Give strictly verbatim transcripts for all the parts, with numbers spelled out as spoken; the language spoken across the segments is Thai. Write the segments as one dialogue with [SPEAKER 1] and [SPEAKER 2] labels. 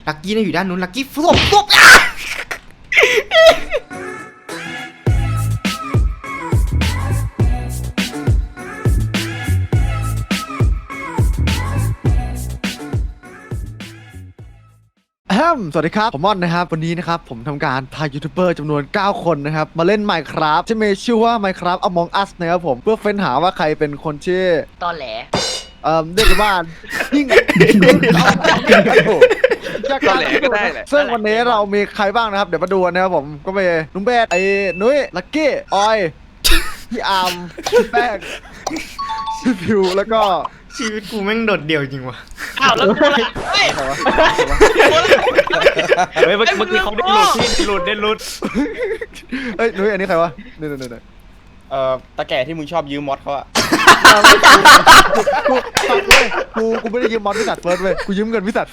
[SPEAKER 1] ลักกี้เนี่ยอยู่ด้านนู้นลักกี้ฟลุปฟลุป
[SPEAKER 2] สวัสดีครับผมม่อนนะครับวันนี้นะครับผมทำการพายูทูบเบอร์จำนวนเก้าคนนะครับมาเล่น Minecraft ที่มีชื่อว่า Minecraft Among Us นะครับผมเพื่อเฟ้นหาว่าใครเป็นคนชื่อ
[SPEAKER 3] ตอแหล
[SPEAKER 2] เอ่อเรียกกันว่ายิ่ง
[SPEAKER 4] ตอแหลก็ได้แหละ
[SPEAKER 2] ซึ่งวันนี้เรามีใครบ้างนะครับเดี๋ยวมาดูนะครับผมก็มีนุ้งเบสไอ้นุ้ยลักกี้ออยพี่อาร์มพี่แป้งพี่พิวแล้วก็
[SPEAKER 1] ชีวิตกูแม่งโดดเดี่ยวจริงวะ
[SPEAKER 3] อ้าวแล้วกูอะไรเฮ้ย
[SPEAKER 4] เฮ้ยเมื่อกี้เขาได้หลุดที่หลุดได้หลุด
[SPEAKER 2] เฮ้ยนุ้ยอันนี้ใครวะนี่นี่นี่
[SPEAKER 4] เอ่อตาแก่ที่มึงชอบยืมมอสเขาอะ
[SPEAKER 2] กูฟังเลยกูกูไม่ได้ยืมมอสพิสัตเฟิร์สเว้ยกูยืมเงินพิสัต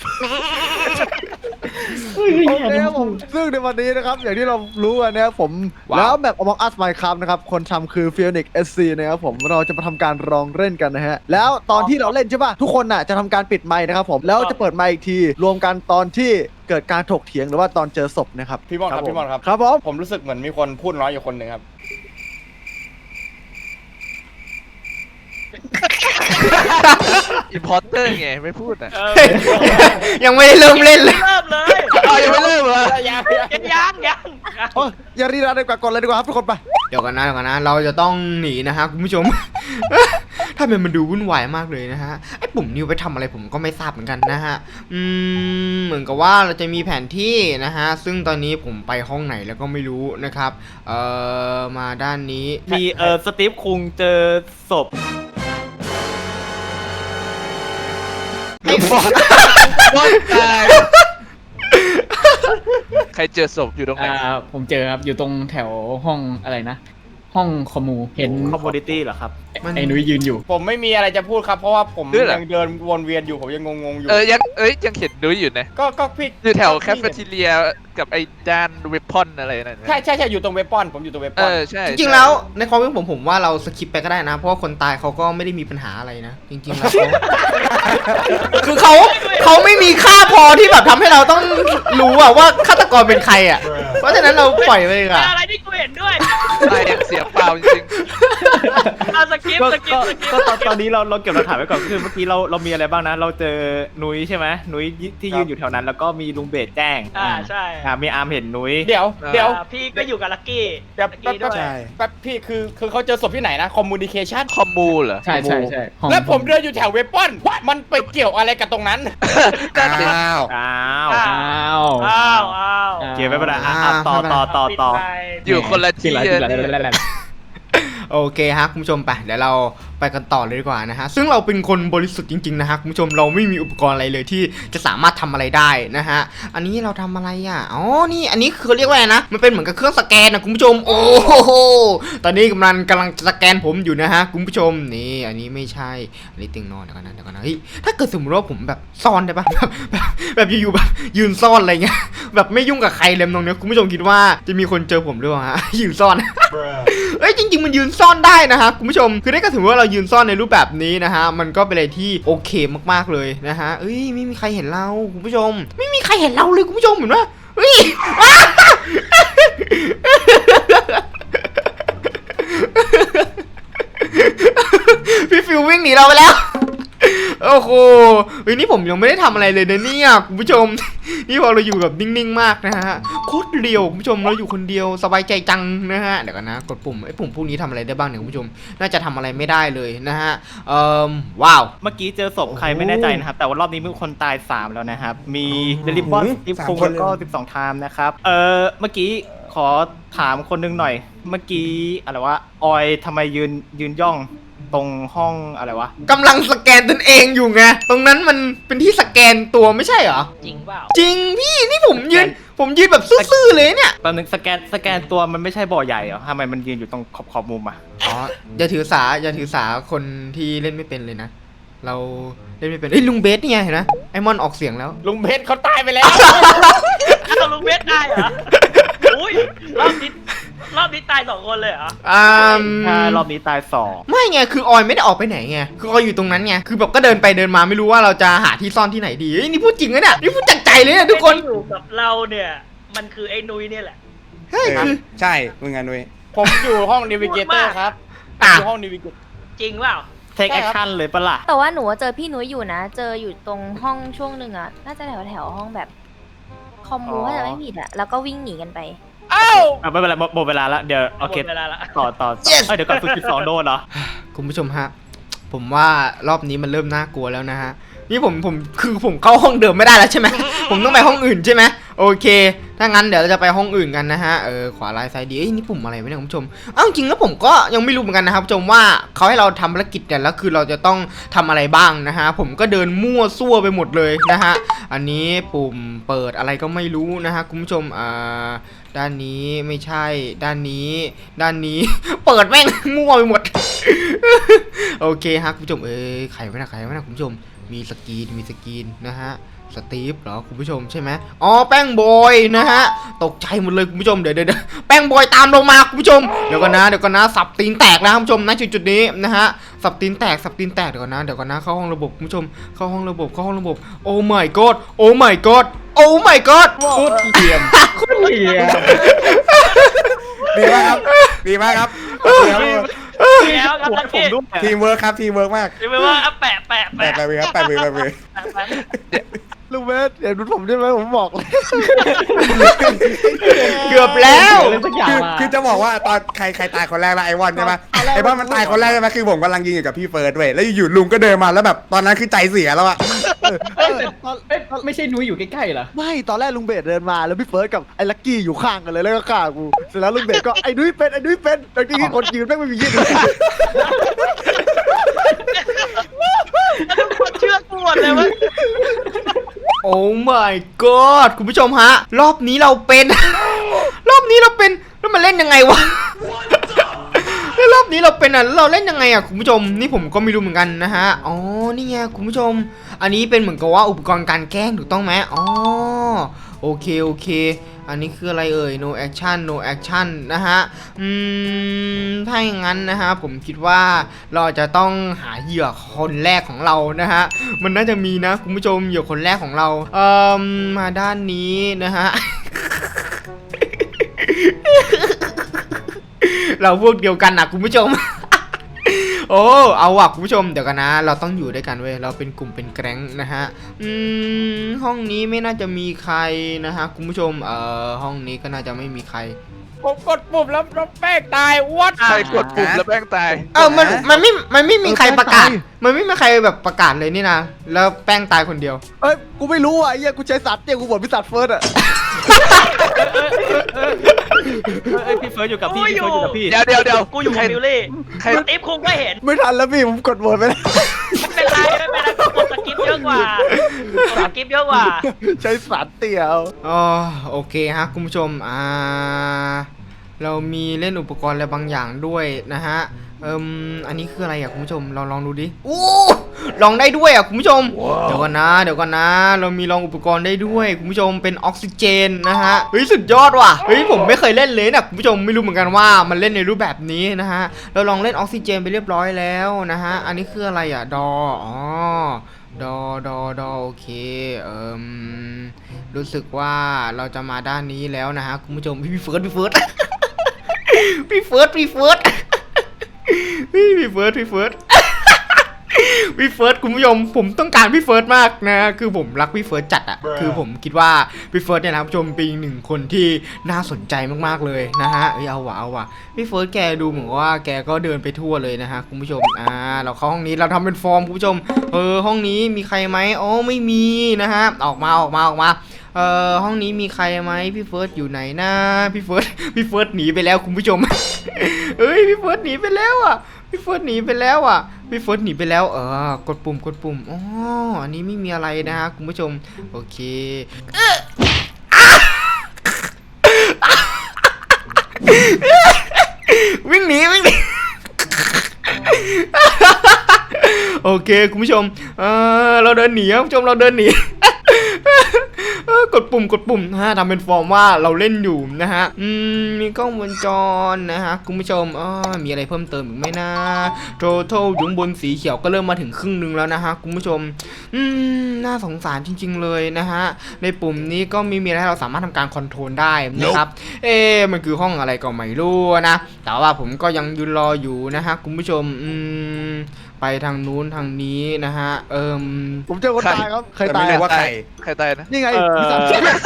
[SPEAKER 2] โอเคครับผมซึ่งในวันนี้นะครับอย่างที่เรารู้กันนะครับผมแล้วแบบ Among Us Minecraft นะครับคนทำคือ Phoenix เอส ซี นะครับผมเราจะมาทำการลองเล่นกันนะฮะแล้วตอนที่เราเล่นใช่ป่ะทุกคนน่ะจะทำการปิดไมค์นะครับผมแล้วจะเปิดไมค์อีกทีรวมกันตอนที่เกิดการถกเถียงหรือว่าตอนเจอศพนะครับ
[SPEAKER 4] พี่บอลครับพี่บอลครับ
[SPEAKER 2] ครับผม
[SPEAKER 4] ผมรู้สึกเหมือนมีคนพูดน้อยอยู่คนหนึ่งครับ
[SPEAKER 5] อิมพอร์เตอร์ไงไม่พูดอ่ะ
[SPEAKER 1] ยังไม่ได้เริ่มเล่นเลย
[SPEAKER 3] เริ่มเลย
[SPEAKER 5] ยังไม่เริ่มเลย
[SPEAKER 3] ยังยังยัง
[SPEAKER 2] โอ้ยอย่ารีรอดีกว่ากดเลยดีกว่าครับทุกคนไป
[SPEAKER 1] เดี๋ยวกันนะเดี๋ยวกันนะเราจะต้องหนีนะฮะคุณผู้ชมถ้าเป็นมันดูวุ่นวายมากเลยนะฮะไอ้ปุ่มนิ้วไปทำอะไรผมก็ไม่ทราบเหมือนกันนะฮะอืมเหมือนกับว่าเราจะมีแผนที่นะฮะซึ่งตอนนี้ผมไปห้องไหนแล้วก็ไม่รู้นะครับเอ่อมาด้านนี้
[SPEAKER 4] มีเอ่อสตีฟคุงเจอศพ
[SPEAKER 5] ไอ้บอลบอลตายใครเจอศพอยู่ตรงไหน
[SPEAKER 6] อ่าผมเจอครับอยู่ตรงแถวห้องอะไรนะห้องคอมมูเห็น
[SPEAKER 4] คอมมูนิตี้เหรอครับ
[SPEAKER 6] ไอ้นุ้ยยืนอยู่ผมไม่มีอะไรจะพูดครับเพราะว่าผมยังเดินวนเวียนอยู่ผมยังงงๆอยู่
[SPEAKER 5] เออยังเอ้ยยังเห็นนุ้ยอยู่นะ
[SPEAKER 6] ก็ก็พี่
[SPEAKER 5] อยู่แถวแคฟเฟทีเรียกับไอ้ด้านเวพอนอะไรนั่น
[SPEAKER 6] ใช่ใช่ใช่อยู่ตรงเวพอนผมอยู่ตรงเวพอนเอ
[SPEAKER 5] อใช่
[SPEAKER 1] จริงๆแล้วในความคิดผมผมว่าเราสคิปไปก็ได้นะเพราะว่าคนตายเขาก็ไม่ได้มีปัญหาอะไรนะจริงๆแล้วคือเขาเขาไม่มีค่าพอที่แบบทำให้เราต้องรู้อะว่าฆาตกรเป็นใครอะเพราะฉะนั้นเราปล่อยไปเลยอะ
[SPEAKER 3] อะไรที่กูเห็นด้วย
[SPEAKER 5] ตายยังเสียเปล่าจริง
[SPEAKER 3] ๆเอาสกิปสกิปสกิป
[SPEAKER 4] ก็ตอนนี้เราเราเก็บหลักฐานไว้ก่อนคือเมื่อกี้เราเรามีอะไรบ้างนะเราเจอนุ้ยใช่ไหมนุ้ยที่ยืนอยู่แถวนั้นแล้วก็มีลุงเบสแจ้ง
[SPEAKER 3] อ่าใช่
[SPEAKER 4] อ่ามีอาร์มเห็นนุ้ย
[SPEAKER 6] เดี๋ยวเดี๋ยว
[SPEAKER 3] พี่ก็อยู่กับลักกี้
[SPEAKER 6] แป๊บแป๊บแป๊บพี่คือคือเขาเจอศพที่ไหนนะคอมมูนิเคชั่น
[SPEAKER 5] คอมมูเหรอ
[SPEAKER 6] ใช่ใช่ใช่แล้วผมเดินอยู่แถวเวพอนมันไปเกี่ยวอะไรกับตรงนั้น
[SPEAKER 5] อ้าว
[SPEAKER 4] อ้าว
[SPEAKER 6] อ้าว
[SPEAKER 3] อ้าวอ้าว
[SPEAKER 4] เกี่ยวไม่เป็นไรอ่ะต่อต่อต่อต่อ
[SPEAKER 5] อยู่คนละที่
[SPEAKER 1] โอเคฮะคุณผู้ชมไปเดี๋ยวเราไปกันต่อเลยดีกว่านะฮะซึ่งเราเป็นคนบริสุทธิ์จริงๆนะฮะคุณผู้ชมเราไม่มีอุปกรณ์อะไรเลยที่จะสามารถทำอะไรได้นะฮะอันนี้เราทำอะไรอ่ะอ๋อนี่อันนี้คือเรียกว่าไงนะมันเป็นเหมือนกับเครื่องสแกนนะคุณผู้ชมโอ้โหตอนนี้กำลังกำลังสแกนผมอยู่นะฮะคุณผู้ชมนี่อันนี้ไม่ใช่อันนี้เตียงนอนเดี๋ยวกันนะเดี๋ยวกันนะเฮ้ยถ้าเกิดสมมติว่าผมแบบซ่อนได้ปะแบบแบบแบบอยู่ๆแบบยืนซ่อนอะไรเงี้ยแบบไม่ยุ่งกับใครเลยตรงนี้คุณผู้ชมคิดว่าจะมีคนเจอผมหรือเปล่าฮะยืนซ่อนเอ้ยจริงๆมันยืนซ่อนได้นะฮะคุณผู้ชมคือได้ก็ถือว่าเรายืนซ่อนในรูปแบบนี้นะฮะมันก็เป็นอะไรที่โอเคมากๆเลยนะฮะเอ้ยไม่มีใครเห็นเราคุณผู้ชมไม่มีใครเห็นเราเลยคุณผู้ชมเห็นปะเฮ้ยพี่ฟิววิ่งหนีเราไปแล้วโอ้โหเฮ้ยนี่ผมยังไม่ได้ทำอะไรเลยนะเนี่ยคุณผู้ชมนี่พอเราอยู่แบบนิ่งๆมากนะฮะโคตรเรียวคุณผู้ชมเราอยู่คนเดียวสบายใจจังนะฮะเดี๋ยวกันนะกดปุ่มไอ้ปุ่มพวกนี้ทำอะไรได้บ้างเนี่ยคุณผู้ชมน่าจะทำอะไรไม่ได้เลยนะฮะเอ่อว้าว
[SPEAKER 4] เมื่อกี้เจอศพใครไม่แน่ใจนะครับแต่ว่ารอบนี้มีคนตายสามแล้วนะครับมีเดลิบอนทิฟฟงแล้วก็สิบสองไทม์นะครับเออเมื่อกี้ขอถามคนนึงหน่อยเมื่อกี้อะไรวะออยทำไมยืนยืนย่องตรงห้องอะไรวะ
[SPEAKER 1] กำลังสแกนตนเองอยู่ไงตรงนั้นมันเป็นที่สแกนตัวไม่ใช่เหรอ
[SPEAKER 3] จริงเปล่า
[SPEAKER 1] จริงพี่นี่ผมยืนผมยืนแบบซื่อๆเลยเนี่ย
[SPEAKER 4] แป๊บนึงสแกนสแกนตัวมันไม่ใช่บ่อใหญ่เหรอทำไมมันยืนอยู่ตรงขอบขอบมุมอ่ะ
[SPEAKER 1] อ๋ออย่าถือสาอย่าถือสาคนที่เล่นไม่เป็นเลยนะเราเล่นไม่เป็นเอ้ยลุงเบสนี่ไงเห็นนะไอมอนออกเสียงแล้ว
[SPEAKER 6] ลุงเบสเขาตายไปแล้ว
[SPEAKER 3] ลุงเบสได้เหรออุ้ยรอบนี้รอบนี้ตายสองคนเลยเหรอ
[SPEAKER 1] อ่า
[SPEAKER 4] ใช่รอบนี้ตายสอง
[SPEAKER 1] ไม่ไงคือออยไม่ได้ออกไปไหนไงคือออยอยู่ตรงนั้นไงคือแบบก็เดินไปเดินมาไม่รู้ว่าเราจะหาที่ซ่อนที่ไหนดีเฮ้ยนี่พูดจริงนะเนี่ยนี่พูดจากใจเลยเนี่ยทุกคน
[SPEAKER 3] ไอ้ที่อยู่กับเราเนี่ย มันคือไอ้นุ้ยเนี่ยแหละ
[SPEAKER 1] เฮ้ย
[SPEAKER 5] เออ
[SPEAKER 1] คือ
[SPEAKER 5] ใช่มึงไงนุ้ย
[SPEAKER 6] ผมอยู่ห้องนิวิเกเตอร์ครับผม
[SPEAKER 1] อ่ะ
[SPEAKER 6] อยู่ห้องนิวิเกเตอร์
[SPEAKER 3] จริงเปล่า
[SPEAKER 4] เทคแอคชั่นเลยปะล่ะ
[SPEAKER 7] แต่ว่าหนูเจอพี่นุ้ยอยู่นะ เจออยู่ตรงห้องช่วงหนึ่งอะน่าจะแถวแถวๆห้องแบบคอมมู
[SPEAKER 4] อ๋อ
[SPEAKER 7] ถ้าจะไม่ผิดอะแล้วก็วิ่งหนีกันไป
[SPEAKER 6] อ้าว
[SPEAKER 4] อ่ะไม่เป็นไรหมดหมดเวลาแล้วเดี๋ยวโอเค
[SPEAKER 3] หมดเวลาละ
[SPEAKER 4] ต่อต่อต่อเอ้ยเดี๋ยวก่อนฝึกสิบสองโดนเหรอ
[SPEAKER 1] คุณผู้ชมฮะผมว่ารอบนี้มันเริ่มน่ากลัวแล้วนะฮะนี่ผมผมคือผมเข้าห้องเดิมไม่ได้แล้วใช่ไหม ผมต้องไปห้องอื่นใช่ไหมโอเคถ้างั้นเดี๋ยวเราจะไปห้องอื่นกันนะฮะเออขวาลายซ้ายดีเอ้ยนี่ปุ่มอะไรวะเนี่ยคุณผู้ชมเอ้าจริงแล้วผมก็ยังไม่รู้เหมือนกันนะครับคุณผู้ชมว่าเขาให้เราทำภารกิจเนี่ยแล้วคือเราจะต้องทำอะไรบ้างนะฮะผมก็เดินมั่วซั่วไปหมดเลยนะฮะอันนี้ปุ่มเปิดอะไรก็ไม่รู้นะฮะคุณผู้ชมอ่าด้านนี้ไม่ใช่ด้านนี้ ด้านนี้ เปิดแม่ง มั่วไปหมด โอเคฮะคุณผู้ชมเอ้ยใครไว้นะใครไว้นะคุณผู้ชมมีสกรีนมีสกรีนนะฮะสตีฟเหรอคุณผู้ชมใช่ไหมอ๋อแป้งบอยนะฮะตกใจหมดเลยคุณผู้ชมเดี๋ยวเดี๋ยวแป้งบอยตามลงมาคุณผู้ชมเดี๋ยวก่อนนะเดี๋ยวก่อนนะสับตีนแตกนะคุณผู้ชมณจุดจุดนี้นะฮะสับตีนแตกสับตีนแตกเดี๋ยวก่อนนะเดี๋ยวก่อนนะเข้าห้องระบบคุณผู้ชมเข้าห้องระบบเข้าห้องระบบโอ้ my god โอ้ my god โอ้ my god
[SPEAKER 6] โคตรเกรียน
[SPEAKER 5] ดีมากครับดีมากครับ
[SPEAKER 3] แล้วครับลัก
[SPEAKER 4] ผม
[SPEAKER 3] กี้
[SPEAKER 4] ด้วย
[SPEAKER 5] ทีมเวิร์คครับทีมเวิร์กมาก
[SPEAKER 3] หรือไม่ว่าอ่ะแปะแปะ
[SPEAKER 5] แปะ
[SPEAKER 3] แปะ
[SPEAKER 5] ไปเลยครับแปะไปเลยแปะไปเลย
[SPEAKER 3] แปะแปะ
[SPEAKER 2] ลุงเบสเห็นผมใช่ไหมผมบอกเลย
[SPEAKER 1] เกือบแล้ว
[SPEAKER 5] คือคือจะบอกว่าตอนใครใครตายคนแรกละไอวอนใช่ไหมไอวอนมันตายคนแรกใช่ไหมคือผมกำลังยิงอยู่กับพี่เฟิร์สเว้ยแล้วอยู่ๆลุงก็เดินมาแล้วแบบตอนนั้นคือใจเสียแล้วอะ
[SPEAKER 2] เออตอน
[SPEAKER 4] ไม่ใช่นุ้ยอยู่ใกล้ๆเหรอ
[SPEAKER 2] ไม่ตอนแรกลุงเบสเดินมาแล้วพี่เฟิร์สกับไอ้ลักกี้อยู่ข้างกันเลยแล้วก็ฆ่ากูเสร็จแล้วลุงเบสก็ไอ้นุ้ยเป็นไอ้นุ้ยเป็นลักกี้คนยืนแม่งไม่มียืนเลย
[SPEAKER 3] แล้วทุกคนเชื่อกูหมดเลยเว่า
[SPEAKER 1] โอ้ my god คุณผู้ชมฮะ รอบนี้เราเป็น รอบนี้เราเป็นแล้วมันเล่นยังไงวะ แล้วรอบนี้เราเป็นอ่ะแล้วเราเล่นยังไงอ่ะคุณผู้ชมนี่ผมก็ไม่รู้เหมือนกันนะฮะอ๋อนี่ไงคุณผู้ชม อันนี้เป็นเหมือนกับว่าอุปกรณ์การแกล้งถูกต้องไหมอ๋อโอเคโอเค อันนี้คืออะไรเอ่ย no action no action นะฮะอืมถ้าอย่างนั้นนะฮะผมคิดว่าเราจะต้องหาเหยื่อคนแรกของเรานะฮะมันน่าจะมีนะคุณผู้ชมเหยื่อคนแรกของเราเอ่อมาด้านนี้นะฮะ เราพวกเดียวกันนะคุณผู้ชม โอ้เอาว่ะคุณผู้ชมเดี๋ยวกันนะเราต้องอยู่ด้วยกันเว้ยเราเป็นกลุ่มเป็นแก๊งนะฮะอืมห้องนี้ไม่น่าจะมีใครนะฮะคุณผู้ชมเอ่อห้องนี้ก็น่าจะไม่มีใคร
[SPEAKER 6] ผมกดปุ่มแล้วแล้วแป้งตายวัด
[SPEAKER 8] ใครกดปุ่มแล้วแป้งตาย
[SPEAKER 1] เออมันมันไม่มันไม่มีใครประกาศ มันไม่มีใครแบบประกาศเลยนี่นะแล้วแป้งตายคนเดียว
[SPEAKER 2] เอ้ยกูไม่รู้อ่ะไอ้เหี้ยกูใช้สัตว์เนี่ยกูบอกพี่สัตว์เฟิร์สอ่ะ
[SPEAKER 4] เอ้ยพี่เฟิร์สอยู่กับพี่พี่เฟิร์สอยู่กับพี่
[SPEAKER 8] เดี๋ยวเดี๋ยวเดี๋ยว
[SPEAKER 3] กูอยู่กับบิลลี่
[SPEAKER 8] ใคร
[SPEAKER 3] สตีฟคุงก็เห็น
[SPEAKER 2] ไม่ทันแล้วพี่ผมกดโหวตไปแล้ว
[SPEAKER 3] ไม่เป็นไรไม่เป็นไรกูกดสกิปเยอะกว่ากดสกิปเยอะกว่า
[SPEAKER 2] ใช้สัตว์เตี่ยว
[SPEAKER 1] อ๋อโอเคฮะคุณผู้ชมอ่าเรามีเล่นอุปกรณ์อะไรบางอย่างด้วยนะฮะเอิมอันนี้คืออะไรอ่ะคุณผู้ชมเราลองดูดิโอ้ลองได้ด้วยอ่ะคุณผู้ชมเดี๋ยวก่อนนะเดี๋ยวก่อนนะ เรามีลองอุปกรณ์ได้ด้วยคุณผู้ชมเป็นออกซิเจนนะฮะเฮ้ยสุดยอดว่ะเฮ้ยผมไม่เคยเล่นเลยนะคุณผู้ชมไม่รู้เหมือนกันว่ามันเล่นในรูปแบบนี้นะฮะเราลองเล่นออกซิเจนไปเรียบร้อยแล้วนะฮะอันนี้คืออะไรอ่ะดออ๋อดอดอดอโอเคเอิมรู้สึกว่าเราจะมาด้านนี้แล้วนะฮะคุณผู้ชมพี่เฟิร์สพี่เฟิร์ส พี่เฟิร์สพี่เฟิร์ส พี่เฟิร์สพี่เฟิร์ส พี่เฟิร์สคุณผู้ชมผมต้องการพี่เฟิร์สมากนะคือผมรักพี่เฟิร์สจัดอะคือผมคิดว่าพี่เฟิร์สเนี่ยนะคุณผู้ชมเป็นอีกหนึ่งคนที่น่าสนใจมากๆเลยนะฮะเอ้ยเอาว่ะเอาว่ะพี่เฟิร์สแกดูเหมือนว่าแกก็เดินไปทั่วเลยนะฮะคุณผู้ชมอ่าเราเข้าห้องนี้เราทำเป็นฟอร์มคุณผู้ชมเออห้องนี้มีใครไหมอ๋อไม่มีนะฮะออกมาออกมาออกมาเอ่อห้องนี้มีใครไหมพี่เฟิร์สอยู่ไหนนะพี่เฟิร์ส พี่เฟิร์สหนีไปแล้วคุณผู้ชม เอ้ยพี่เฟิร์สหนีไปแล้วอ่ะพี่เฟิร์สหนีไปแล้วอ่ะพี่เฟิร์สหนีไปแล้วเออกดปุ่มกดปุ่มอ๋ออันนี้ไม่มีอะไรนะฮะคุณผู้ชมโอเควิ่งหนีวิ่งหนี โอเคคุณผู้ชมเออเราเดินหนีครับคุณผู้ชมเราเดินหนี เออกดปุ่มกดปุ่มนะฮะทำเป็นฟอร์มว่าเราเล่นอยู่นะฮะอืมมีกล้องวงจรนะฮะคุณผู้ชมอ๋อมีอะไรเพิ่มเติมอีกไหมนะโททอลอยู่บนสีเขียวก็เริ่มมาถึงครึ่งหนึงแล้วนะฮะคุณผู้ชมอืมน่าสงสารจริงๆเลยนะฮะในปุ่มนี้ก็มีมีอะไรให้เราสามารถทำการคอนโทรลได้นะครับ เอ๊ะมันคือห้องอะไรก็ไม่รู้นะแต่ว่าผมก็ยังยืนรออยู่นะฮะคุณผู้ชมอืมไปทางนู้นทางนี้นะฮะเอิม
[SPEAKER 2] ผมเจอคนตายครับใคร
[SPEAKER 5] แต่
[SPEAKER 2] ตา
[SPEAKER 5] ไม่
[SPEAKER 2] ย
[SPEAKER 5] รู้
[SPEAKER 2] อะ
[SPEAKER 5] ว่าใคร
[SPEAKER 8] ใครตายนะ
[SPEAKER 2] นี่ไง
[SPEAKER 4] เออ
[SPEAKER 2] พี่สัน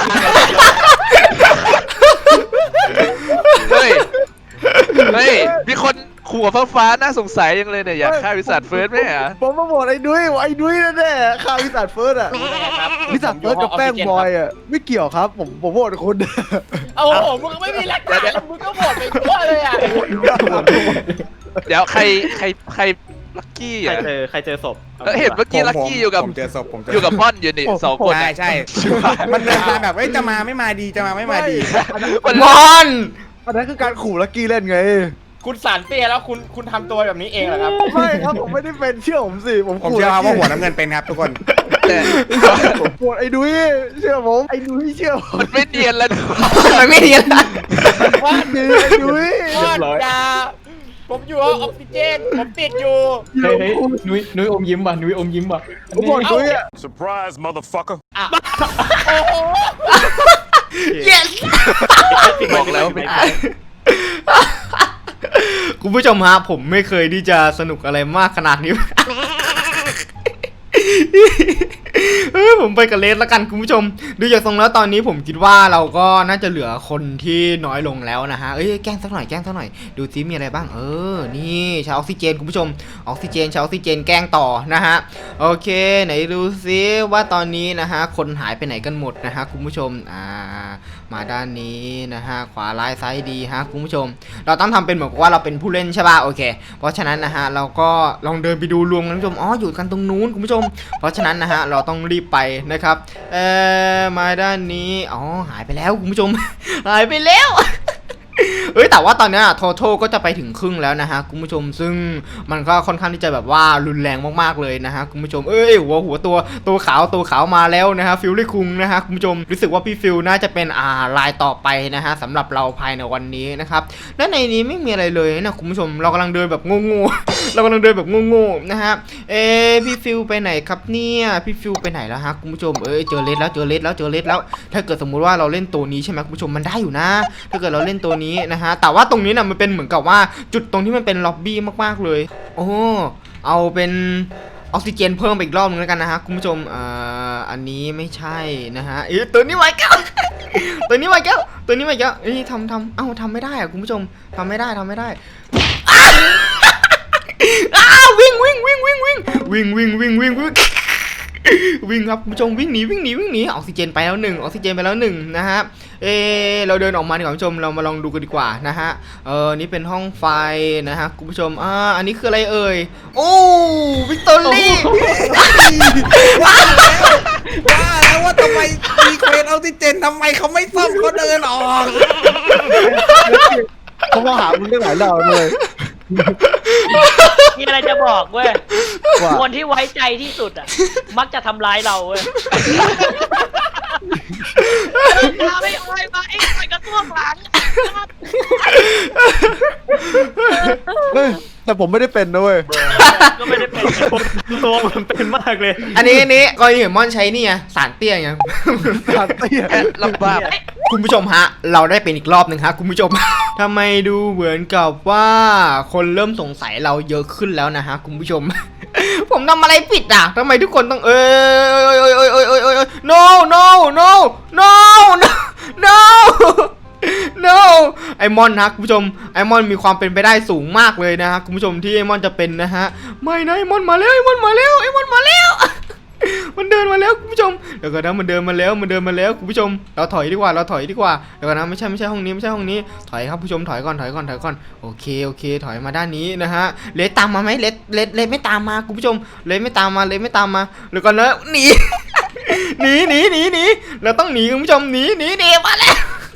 [SPEAKER 8] เฮ้ย เฮ้ย มีคนขู่ฟ้าฟ้าๆน่าสงสัยยังเลยเนี่ย อยากฆ่าวิสัทเฟิร์สไหมอ่ะ
[SPEAKER 2] ผมมาบอกไอ้ดุ้ยว่าไอ้ดุ้ยแน่ๆฆ่าวิสัทเฟิร์สอะ
[SPEAKER 6] รู้ได้ไงครับ
[SPEAKER 2] วิสัทเฟิร์สกับแป้งบอยอะไม่เกี่ยวครับ ผมผมโหวตคุณ
[SPEAKER 6] โอ้โหมึงไม่มีหลักฐานแล้วมึงก็โหวตไปทั่วเลยอ่ะ
[SPEAKER 8] เดี๋ยวใครใครใครลักกี้
[SPEAKER 4] ใคร
[SPEAKER 8] อ่ะ
[SPEAKER 4] เจอใครเจอศพ
[SPEAKER 8] เออเห็นเมื่อกี้ลักกี้อยู่กับ
[SPEAKER 5] ผมเจอศพผมเจอ
[SPEAKER 8] อยู่กับม่อนอยู่นี่สองคน
[SPEAKER 5] ใช่
[SPEAKER 8] อะ
[SPEAKER 5] ใช่มันเดินมาแบบเอ้ยจะมาไม่มาดีจะมาไม่มาดี
[SPEAKER 1] มอน
[SPEAKER 2] อันนั้นคือการขู่ลักกี้เล่นไง
[SPEAKER 6] คุณสารเตี้ยแล้วคุณคุณทำตัวแบบนี้เองเหรอครับ
[SPEAKER 2] ไม่ครับผมไม่ได้เป็นเชื่อผมสิผม
[SPEAKER 5] ผม
[SPEAKER 2] ขู่
[SPEAKER 5] เชื่อ
[SPEAKER 2] ลัก
[SPEAKER 5] ว่า
[SPEAKER 2] กี้
[SPEAKER 5] หัวน้ำเงินเป็นครับทุกคน
[SPEAKER 8] แต่
[SPEAKER 2] ผมโหวตไอ้ดุ้ยเชื่อผมไอ้ดุ้ยเชื่อผม
[SPEAKER 8] มันไม่เนียนแล้ว
[SPEAKER 1] มันไม่เรียนละ
[SPEAKER 6] ว่า
[SPEAKER 2] ดีไอ้ดุ้ย
[SPEAKER 6] ว่าดาผมอยู่ห้องออกซิเจนผมติดอยู่
[SPEAKER 4] เฮ้ยเฮ้ยนุ้ยนุ้ยอมยิ้มว่ะนุ้ยอมยิ้มว่ะ
[SPEAKER 2] ผมบอกดุ้ยอะ
[SPEAKER 9] Surprise, motherfucker.
[SPEAKER 6] โอ้โห
[SPEAKER 1] yes
[SPEAKER 8] บอกแล้วเป็นใคร
[SPEAKER 1] คุณผู้ชมฮะผมไม่เคยที่จะสนุกอะไรมากขนาดนี้ เฮ้ยผมไปกับเลสแล้วกันคุณผู้ชมดูจากทรงแล้วตอนนี้ผมคิดว่าเราก็น่าจะเหลือคนที่น้อยลงแล้วนะฮะเอ้ยแกล้งสักหน่อยแกล้งสักหน่อยดูซิมีอะไรบ้างเออนี่ใช้ออกซิเจนคุณผู้ชมออกซิเจนใช้ออกซิเจนแกล้งต่อนะฮะโอเคไหนดูซิว่าตอนนี้นะฮะคนหายไปไหนกันหมดนะฮะคุณผู้ชมอ่ามาด้านนี้นะฮะขวาร้ายซ้ายดีฮะคุณผู้ชมเราต้องทำเป็นเหมือนกับว่าเราเป็นผู้เล่นใช่ป่ะโอเคเพราะฉะนั้นนะฮะเราก็ลองเดินไปดูรวมกันคุณผู้ชมอ๋ออยู่กันตรงนู้นคุณผู้ชมเพราะฉะนั้นนะฮะเราต้องรีบไปนะครับเอ่อมาด้านนี้อ๋อหายไปแล้วคุณผู้ชม หายไปแล้ว เอ้ยแต่ว่าตอนนี้ทอทก็จะไปถึงครึ่งแล้วนะฮะคุณผู้ชมซึ่งมันก็ค่อนข้างที่จะแบบว่ารุนแรงมากๆเลยนะฮะคุณผู้ชมเอ้ยหัวหัวตัวตัวขาวตัวขาวมาแล้วนะฮะฟิลลี่คุงนะฮะคุณผู้ชมรู้สึกว่าพี่ฟิลน่าจะเป็นอ่าลายต่อไปนะฮะสำหรับเราภายในวันนี้นะครับและในนี้ไม่มีอะไรเลยนะคุณผู้ชมเรากำลังเดินแบบโง่ๆ เรากำลังเดินแบบโง่ๆนะฮะเอ๊ะพี่ฟิลไปไหนครับเนี่ยพี่ฟิลไปไหนแล้วฮะคุณผู้ชมเอ้ยเจอเลสแล้วเจอเลสแล้วเจอเลสแล้วถ้าเกิดสมมุติว่าเราเล่นตัวนี้ใช่ไหมคุณผู้ชมมันได้อยู่นะถ้าเกิดเราเล่นตัวนี้นะฮะแต่ว่าตรงนี้นะมันเป็นเหมือนกับว่าจุดตรงที่มันเป็นล็อบบี้มากๆเลยโอ้เอาเป็นออกซิเจนเพิ่มไปอีกรอบนึงแล้วกันนะฮะคุณผู้ชมอ่าอันนี้ไม่ใช่นะฮะเอ๊ะตัวนี้ไว้แก้ว ตัวนี้ไว้แก้วตัวนี้ไว้แก้วเอ้ยทำทำเอ้าทำไม่ได้อะคุณผู้ชมทำไม่ได้ทำไม่ได้ อ้าววิ่งวิ่งวิ่งวิ่งวิ่งวิ่งวิ่งวิ่งวิ่งวิ่งวิ่งครับคุณผู้ชมวิ่งหนีวิ่งหนีวิ่งหนีออกซิเจนไปแล้วหนึ่งออกซิเจนไปแล้วหนึ่งนะฮะเออเราเดินออกมาดีกว่าคุณผู้ชมเรามาลองดูกันดีกว่านะฮะเออนี่เป็นห้องไฟนะฮะคุณผู้ชมอ่าอันนี้คืออะไรเอ่ยโอ้วิกตอรี่
[SPEAKER 5] ว่าแล้วว่าทำไมมีเควสออกซิเจนทำไมเขาไม่ซ่อมเขาเดินออก
[SPEAKER 2] เขามาหามึงได้หลายรอบเลย
[SPEAKER 3] มีอะไรจะบอกเว้ย
[SPEAKER 2] ว่า
[SPEAKER 3] คนที่ไว้ใจที่สุดอ่ะ มักจะทำร้ายเราเว้ยอย่าไม่อ้อยมาไอ้ไอ้กระตัวหลัง
[SPEAKER 2] เฮ้ยแต่ผมไม่ได้เป็นนะเว้ย
[SPEAKER 3] ก็ไม่ได้เป็น
[SPEAKER 4] ตัวมันเป็นมากเลย
[SPEAKER 1] อันนี้อันนี้กรณีเหมือนมอนใช้นี่ไงสารเตี้ยไง
[SPEAKER 2] ขาดเตี้ย
[SPEAKER 8] แค่ลำบาก
[SPEAKER 1] คุณผู้ชมฮะเราได้เป็นอีกรอบหนึ่งฮะคุณผู้ชม ทำไมดูเหมือนกับว่าคนเริ่มสงสัยเราเยอะขึ้นแล้วนะฮะคุณผู้ชม ผมทำอะไรผิดอ่ะทำไมทุกคนต้องเอ้ยเอ้ยเอ้ยเอ้ยเอ้ยเอ้ยเอ้ย no no no no no no no ไอมอนนะคุณผู้ชมไอมอนมีความเป็นไปได้สูงมากเลยนะฮะคุณผู้ชมที่ไอมอนจะเป็นนะฮะไม่นะไอมอนมาแล้วไอมอนมาแล้วไอมอนมาแล้ว มันเดินมาแล้วคุณผู้ชมเดี๋ยวก่อนนะมันเดินมาแล้วมันเดินมาแล้วคุณผู้ชมเราถอยดีกว่าเราถอยดีกว่าเดี๋ยวก่อนนะไม่ใช่ไม่ใช่ห้องนี้ไม่ใช่ห้องนี้ถอยครับผู้ชมถอยก่อนถอยก่อนถอยก่อนโอเคโอเคถอยมาด้านนี้นะฮะเลสตามมาไหมเลสเลสเลสไม่ตามมาคุณผู้ชมเลสไม่ตามมาเลสไม่ตามมาเดี๋ยวก่อนนะหนี หนีหนีหนีหนีเราต้องหนีคุณผู้ชมหนีหนีหนีมาแล้ว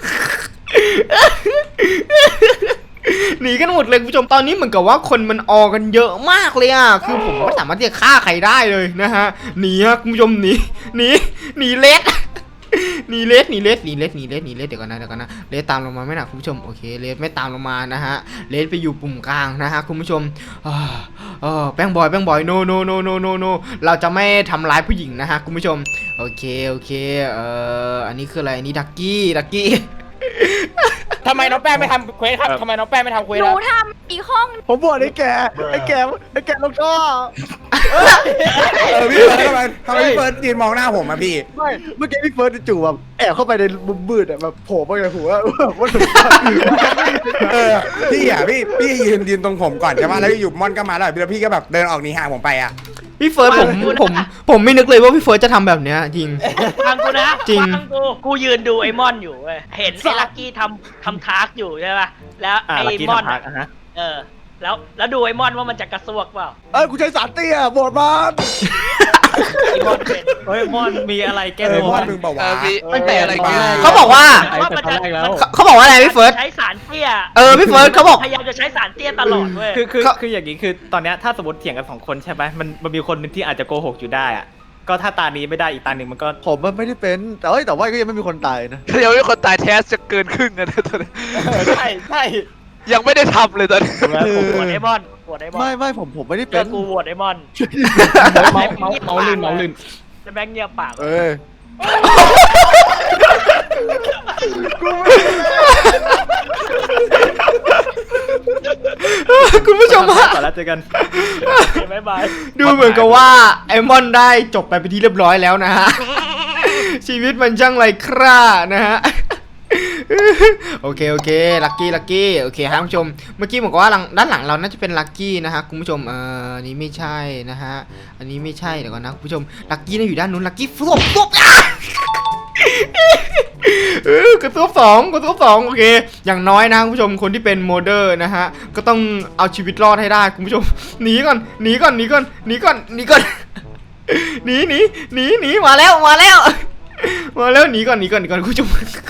[SPEAKER 1] หนีกันหมดเลยคุณผู้ชมตอนนี้เหมือนกับว่าคนมันออกันเยอะมากเลยอ่ะคือผมไม่สามารถที่จะฆ่าใครได้เลยนะฮะหนีฮะคุณผู้ชมหนีหนีหนีเล็ดหนีเลสหนีเลสหนีเลสหนีเลสหนีเลสเดี๋ยวก่อนนะเดี๋ยวก่อนนะเลสตามลงมาไหมนะคุณผู้ชมโอเคเลสไม่ตามลงมานะฮะเลสไปอยู่ปุ่มกลางนะฮะคุณผู้ชมอ่าเออแป้งบอยแป้งบอยโนโนโนโนโนโนเราจะไม่ทำร้ายผู้หญิงนะฮะคุณผู้ชมโอเคโอเคเอ่ออันนี้คืออะไรอันนี้ดักกี้ดักกี้
[SPEAKER 6] ทำไมน้องแป้งไม่ทำเควสครับทำไมน้องแป้งไม่ทำเควส
[SPEAKER 7] ห
[SPEAKER 6] ค
[SPEAKER 7] นู
[SPEAKER 6] รับ
[SPEAKER 7] ทำอีกห้อง
[SPEAKER 2] ผมบอกไอ้แกไอ้แกไอ้แกลงท่อ
[SPEAKER 5] เออพี่เฟิร์สทำไมทำไมพี่เฟิร์สยืนมองหน้าผมอะพี่
[SPEAKER 2] ไม่เมื่อกี้พี่เฟิร์สจู่ๆแบบแอบเข้าไปในมุมมืดอะแบบโผล่มาในหัวว่าถึง
[SPEAKER 5] เออพี่อ่ะพี่พี่ยืนยืนตรงผมก่อนใช่ไหมแล้วอยู่ม่อนก็มาแล้วแล้วพี่ก็แบบเดินออกหนีห่างผมไปอ่ะ
[SPEAKER 1] พี่เฟิร์สผมผมผมไม่นึกเลยว่าพี่เฟิร์สจะทำแบบเนี้ยจริง
[SPEAKER 3] ฟังกูนะ
[SPEAKER 1] จริง
[SPEAKER 3] ฟังกูกูยืนดูไอ้มอนอยู่เว้ยเห็นไอ้ลักกี้ทำทำทาร์กอยู่ใช่ป่ะแล้ว
[SPEAKER 4] อ่า
[SPEAKER 3] ไอ้
[SPEAKER 4] ลักกี้
[SPEAKER 3] มอน
[SPEAKER 4] ทำพักอ่ะฮะ
[SPEAKER 3] เออแล้วแล้วดูไอ้มอนว่ามันจะกระซวกเปล่า
[SPEAKER 2] เอ้ยกูใช้สารเตี้ยโบดมัน
[SPEAKER 3] ไอ้มอนเป็น
[SPEAKER 4] เฮ้ยมอนมีอะไรแก้
[SPEAKER 5] เออ
[SPEAKER 4] ตัว
[SPEAKER 5] ม่อนมึงบอก
[SPEAKER 8] เอ
[SPEAKER 5] ว่า
[SPEAKER 8] อมี
[SPEAKER 6] ตั้งแต่อะไรกัน
[SPEAKER 1] เขาบอกว่า
[SPEAKER 3] ว่ามันจะ
[SPEAKER 1] เขาเขาบอกว่าอะไรพี่เฟิร์ส
[SPEAKER 3] ใช้สารเตี้ย
[SPEAKER 1] เออพี่เฟิร์สเขาบอก
[SPEAKER 3] พยายามจะใช้สารเตี้ยตลอดเว้ย
[SPEAKER 4] คือคือ
[SPEAKER 1] เขา
[SPEAKER 4] คืออย่างนี้คือตอนเนี้ยถ้าสมมติเถียงกันสองคนใช่ไหมมันมันมีคนหนึงที่อาจจะโกหกอยู่ได้อะก็ถ้าตานี้ไม่ได้อีกตาหนึ่งมันก็
[SPEAKER 2] ผมมันไม่ได้เป็นแต่เอ้ยแต่ว่าก็ยังไม่มีคนตายนะ
[SPEAKER 8] เดี๋ยวมีคนตายแทสจะเกินครึ่งกันนะตอนนี้
[SPEAKER 6] ใช่ใช่
[SPEAKER 8] ยังไม่ได้ทำเลยตอนนี้
[SPEAKER 3] กูโหวตไอ้มอนโหวตไอ้มอน
[SPEAKER 2] ไม่ไม่ผมผมไม่ได้
[SPEAKER 3] เจ
[SPEAKER 2] เป็
[SPEAKER 3] อน กูโหวตไอ้มอน
[SPEAKER 6] เมาเมาเมาลื่นเมาลื่น
[SPEAKER 3] จะแบงค์เงียบปาก
[SPEAKER 2] เอ้ย
[SPEAKER 1] คุณผู้ชมฮะ
[SPEAKER 4] ก่อนแล้วเจอกัน
[SPEAKER 3] บ๊ายบาย
[SPEAKER 1] ดูเหมือนกับว่าไอมอนได้จบไปเป็นที่เรียบร้อยแล้วนะฮะ ชีวิตมันช่างไรคร่านะฮะ โอเคโอเคลักกี้ลักกี้โอเคครับคุณผู้ชมเมื่อกี้บอกว่าหลังด้านหลังเราน่าจะเป็นลักกี้นะฮะคุณผู้ชมเอออันนี้ไม่ใช่นะฮะอันนี้ไม่ใช่เดี๋ยวก่อนนะคุณผู้ชมลักกี้น่าอยู่ด้านนู้นลักกี้ฟลบฟลบอ่ะ เออกระตุ้บสองกระตุ้บสองโอเคอย่างน้อยนะคุณผู้ชมคนที่เป็นโมเดอร์นะฮะก็ต้องเอาชีวิตรอดให้ได้คุณผู้ชมหนีก่อนหนีก่อนหนีก่อนหนีก่อนหนีก่อน หนีหนีหนีหนีมาแล้วมาแล้วมาแล้วหนีก่อนหนีก่อนหนีก่อนคุณผู้ชม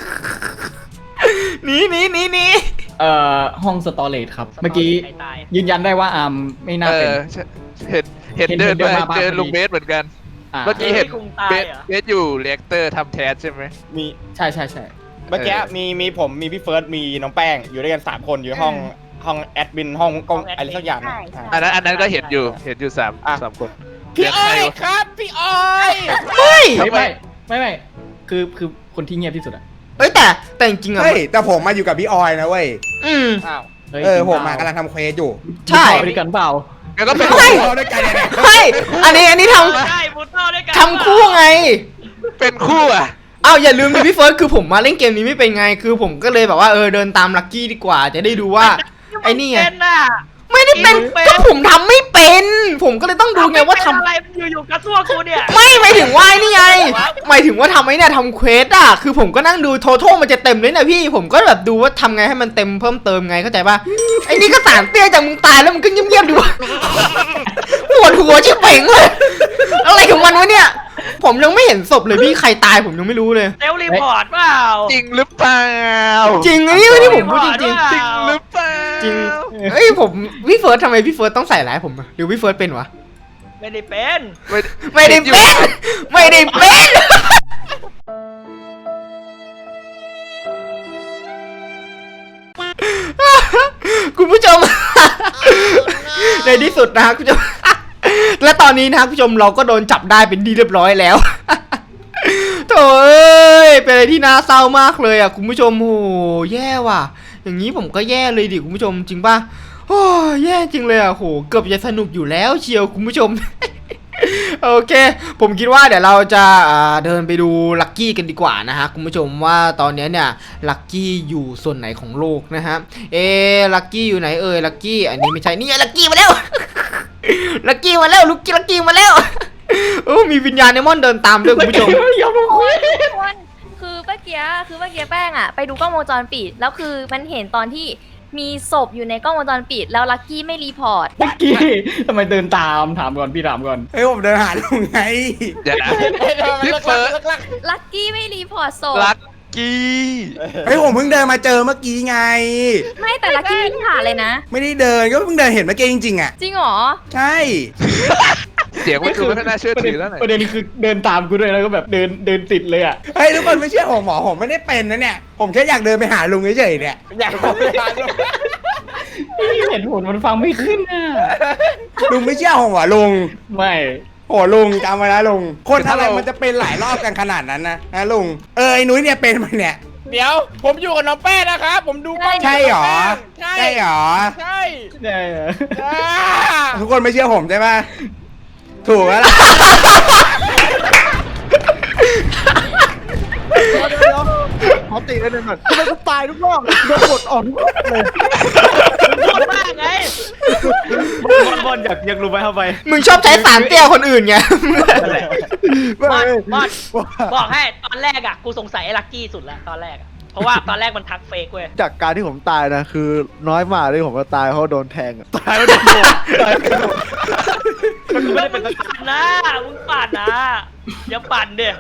[SPEAKER 1] หนีหนีหนีหนี
[SPEAKER 9] เอ่อห้องสตอเรจครับ เมื่อกี้
[SPEAKER 3] ใครตาย
[SPEAKER 9] ยืนยันได้ว่าอาร์มไม่น่า
[SPEAKER 8] เอ
[SPEAKER 9] เป็น
[SPEAKER 8] อใช่เห็นเห็น
[SPEAKER 9] เห็น
[SPEAKER 8] เดิน
[SPEAKER 9] เดิน
[SPEAKER 8] ไป
[SPEAKER 9] มาบ้าง
[SPEAKER 8] เจอ
[SPEAKER 9] พอดี
[SPEAKER 8] ลุงเบสเหมือนกัน
[SPEAKER 9] อ่า
[SPEAKER 8] เมื่อกี้เห็น
[SPEAKER 3] เฮ้ยลุงตาย
[SPEAKER 8] เบส
[SPEAKER 3] เหรอ
[SPEAKER 8] เบสอยู่เรียกเตอร์ทำแทสใช่ไหม
[SPEAKER 6] มี
[SPEAKER 9] ใช่ใช่ใช่
[SPEAKER 6] เมื่อกี้
[SPEAKER 8] เออ
[SPEAKER 6] มีมีผมมีพี่เฟิร์สมีน้องแป้งอยู่ด้วยกันสามคนอยู่ห้องห้องแอดมินห้องกล้องอะไรสักอย่างนะ
[SPEAKER 7] ใช่
[SPEAKER 8] อันนั้นอันนั้นก็เห็นอยู่เห็นอยู่สาม
[SPEAKER 6] อ่ะ
[SPEAKER 8] สามคน
[SPEAKER 6] พี่อ้อยครับพี่อ้อย
[SPEAKER 1] เฮ้ย
[SPEAKER 9] ไม่ไม่ไม่ไม่คือคือคนที่เงียบที่สุดอะ
[SPEAKER 1] เอ้ยแต่แต่จริงๆอะ
[SPEAKER 5] เฮ้ยแต่ผมมาอยู่กับพี่ออยนะเว้ย
[SPEAKER 1] อืม
[SPEAKER 6] อ้าว
[SPEAKER 9] ฮ้ย
[SPEAKER 5] เออผม
[SPEAKER 9] จ
[SPEAKER 5] มา
[SPEAKER 9] ริง
[SPEAKER 5] กำลังทำเควสอยู่
[SPEAKER 1] ใช่
[SPEAKER 9] ไปด้วยกันเปล่า
[SPEAKER 8] งั้นก็เป็น
[SPEAKER 1] เฮ้ย
[SPEAKER 5] เราด้วยกันเนี่ย
[SPEAKER 1] เฮ้ยอันนี้อันนี้ท
[SPEAKER 3] ใช่บูโต้ด้วยกัน
[SPEAKER 1] ำทำคู่ไง
[SPEAKER 8] เป็นคู่อ่ะ
[SPEAKER 1] อ้าวอย่าลืมดิพี่เฟิร์สคือผมมาเล่นเกมนี้ไม่เป็นไงคือผมก็เลยแบบว่าเออเดินตามลักกี้ดีกว่าจะได้ดูว่าไอ้นี่ไง
[SPEAKER 3] เป็นน่ะ
[SPEAKER 1] ไม่ได้เป็น
[SPEAKER 3] เป็น
[SPEAKER 1] ก็ผมทำไม่เป็น ผมก็เลยต้องดูไงว่าทำ
[SPEAKER 3] อะไรอยู่ๆกระซวกกูเนี่ย
[SPEAKER 1] ไม่หมายถึงว่าไอ้นี่ไงหมายถึงว่าทำไอ้เนี่ยทำเควสอ่ะคือผมก็นั่งดูโทโทมันจะเต็มเลยนะพี่ผมก็แบบดูว่าทำไงให้มันเต็มเพิ่มเติมไงเข้าใจป่ะไอ้นี่ก็สารเตี้ยจากมึงตายแล้วมึงก็เงียบๆดีวะ ปวดหัวชิบเป่งเลยอะไรของมันวะเนี่ยผมยังไม่เห็นศพเลยพี่ใครตายผมยังไม่รู้เลย
[SPEAKER 3] เซลล์รีพอร์ตเปล่า
[SPEAKER 8] จริงหรือเปล่า
[SPEAKER 1] จริงไอ้นี่ไม่ได้ผมพูดจริง
[SPEAKER 3] จริง
[SPEAKER 8] จริงหรือเปล่า
[SPEAKER 1] ๆจริงเอ้ยผมพี่เฟิร์สทำไมพี่เฟิร์สต้องใส่ร้ายผมอะหรือพี่เฟิร์สเป็นวะ
[SPEAKER 3] ไม่ได้เป็น
[SPEAKER 8] ไม่
[SPEAKER 1] ไม่ได้เป็นไม่ได้เป็นคุณผู้ชม ในที่สุดนะครับคุณผู้ชม และตอนนี้นะครับคุณผู้ชมเราก็โดนจับได้เป็นที่เรียบร้อยแล้ว โถ่เอ้ยเป็นอะไรที่น่าเศร้ามากเลยอ่ะคุณผู้ชมโอ้แย่ว่ะอย่างนี้ผมก็แย่เลยดิคุณผู้ชมจริงป่ะโอ้แย่จริงเลยอ่ะโหเกือบจะสนุกอยู่แล้วเชียวคุณผู้ชม โอเคผมคิดว่าเดี๋ยวเราจะอ่าเดินไปดูลักกี้กันดีกว่านะฮะคุณผู้ชมว่าตอนนี้เนี่ยลักกี้อยู่ส่วนไหนของโลกนะฮะเอลักกี้อยู่ไหนเอ่ยลักกี้อันนี้ไม่ใช่นี่ลักกี้มาแล้ว ลักกี้มาแล้วลุกกี้ลักกี้มาแล้ว โอ้มีวิญญาณเนมอนเดินตามด้วยคุณผู้ชม
[SPEAKER 9] อย่ามาคุย
[SPEAKER 7] ทุกคนคือเมื่อกี้คือเมื่อกี้แป้งอะไปดูกล้องวงจรปิดแล้วคือมันเห็นตอนที่มีศพอยู่ในกล้องวงจรปิดแล้วลักกี้ไม่รีพอร์ต
[SPEAKER 9] เมื่อกี้ทำไมเดินตามถามก่อนพี่ถามก่อน
[SPEAKER 5] เฮ้ยผมเดินหาลุงไง
[SPEAKER 8] เดี๋ยวนะพี่เฟิร์ส
[SPEAKER 7] ลักกี้ไม่รีพอร์ตศพ
[SPEAKER 8] ลักกี้
[SPEAKER 5] เฮ้ยผมเพิ่งเดินมาเจอเมื่อกี้ไง
[SPEAKER 7] ไม่แต่ลักกี้ไม่ผ่านเลยนะ
[SPEAKER 5] ไม่ได้เดินก็เพิ่งเดินเห็นเมื่อกี้จริงๆอ่ะ
[SPEAKER 7] จริงเหรอ
[SPEAKER 5] ใช่
[SPEAKER 8] เสียงมันดูไม่ค่อยน่าเชื่อถือแล้วหน่อย
[SPEAKER 9] ประเด็นคือเดินตามกูด้วยแล้วก็แบบเดินเดินติดเลยอ่ะ
[SPEAKER 5] เฮ้ยทุกคนไม่เชื่อผมหมอผมไม่ได้เป็นนะเนี่ยผมแค่อยากเดินไปหาลุงเฉยๆเนี่ย
[SPEAKER 6] อยากไปหาลุง
[SPEAKER 9] เห็นผลมันฟังไม่ขึ้นอ่ะ
[SPEAKER 5] ลุงไม่เชื่อผมเหรอลุง
[SPEAKER 9] ไม่
[SPEAKER 5] โอ้ลุงจำไว้นะลุงคนอะไรมันจะเป็นหลายรอบกันขนาดนั้นนะนะลุงเออไอ้นุ้ยเนี่ยเป็นมันเนี่ย
[SPEAKER 6] เดี๋ยวผมอยู่กับน้องแป้งนะครับผมดูกล้อง
[SPEAKER 5] ใช่หรอ
[SPEAKER 6] ใช่
[SPEAKER 5] ใช่หรอ
[SPEAKER 6] ใช่
[SPEAKER 9] ใช่เหรอ
[SPEAKER 6] อ่า
[SPEAKER 5] ทุกคนไม่เชื่อผมใช่ปะถูกแล้วล่ะ
[SPEAKER 2] เดี๋ยวเดี๋ยวขอตีกันหนึ่งก่อนทำไมกูตายทุกรอบโดนกดออกทุกรอบเลย
[SPEAKER 3] พูดมากไง
[SPEAKER 4] บอลบอลอยากอยากรู้ไหมเข้าไป
[SPEAKER 1] มึงชอบใช้สารเตี้ยคนอื่นไง
[SPEAKER 4] นั่นแหละ
[SPEAKER 2] ไม่
[SPEAKER 3] บอลบอล
[SPEAKER 2] ว่า
[SPEAKER 3] บอกให้ตอนแรกอ่ะกูสงสัยไอ้ลักกี้สุดแล้วตอนแรกอะเพราะว่าตอนแรกมันทักเฟกเว้ย
[SPEAKER 2] จากการที่ผมตายนะคือน้อยมากที่ผมจะตายเพราะโดนแทงอะตายแล้วโดนโดนตายแล้วโดน
[SPEAKER 4] มันไม่ได้เป็น
[SPEAKER 3] มึงปั่นนะมึงปั่นนะอย่าปั่นเดี๋ย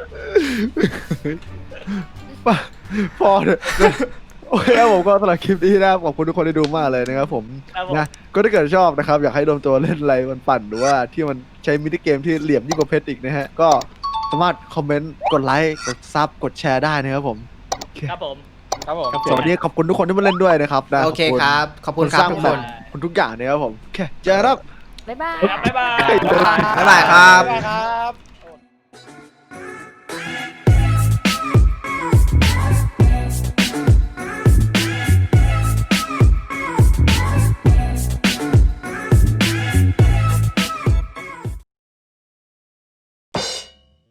[SPEAKER 2] พอเถอะโอเคครับผมก็สำหรับคลิปนี้นะครับขอบคุณทุกคนที่ดูมากเลยนะครับผมนะก็ถ้าเกิดชอบนะครับอยากให้โดมตัวเล่นอะไรมันปั่นหรือว่าที่มันใช้มินิเกมที่เหลี่ยมยิ่งกว่าเพชรอีกนะฮะก็สามารถคอมเมนต์กดไลค์กดซับกดแชร์ได้นะครับผม
[SPEAKER 3] ครับผม
[SPEAKER 6] ครับผม
[SPEAKER 2] สวัสดีขอบคุณทุกคนที่มาเล่นด้วยนะครับนะ
[SPEAKER 1] โอเคครับ ขอบคุณครับทุกคน
[SPEAKER 2] ขอบคุณทุกอย่างนะครับผมโอเคเจอกันครับ
[SPEAKER 7] บ๊ายบาย
[SPEAKER 3] บ๊ายบาย
[SPEAKER 1] บ๊ายบายครับ
[SPEAKER 6] บ๊ายบายครับ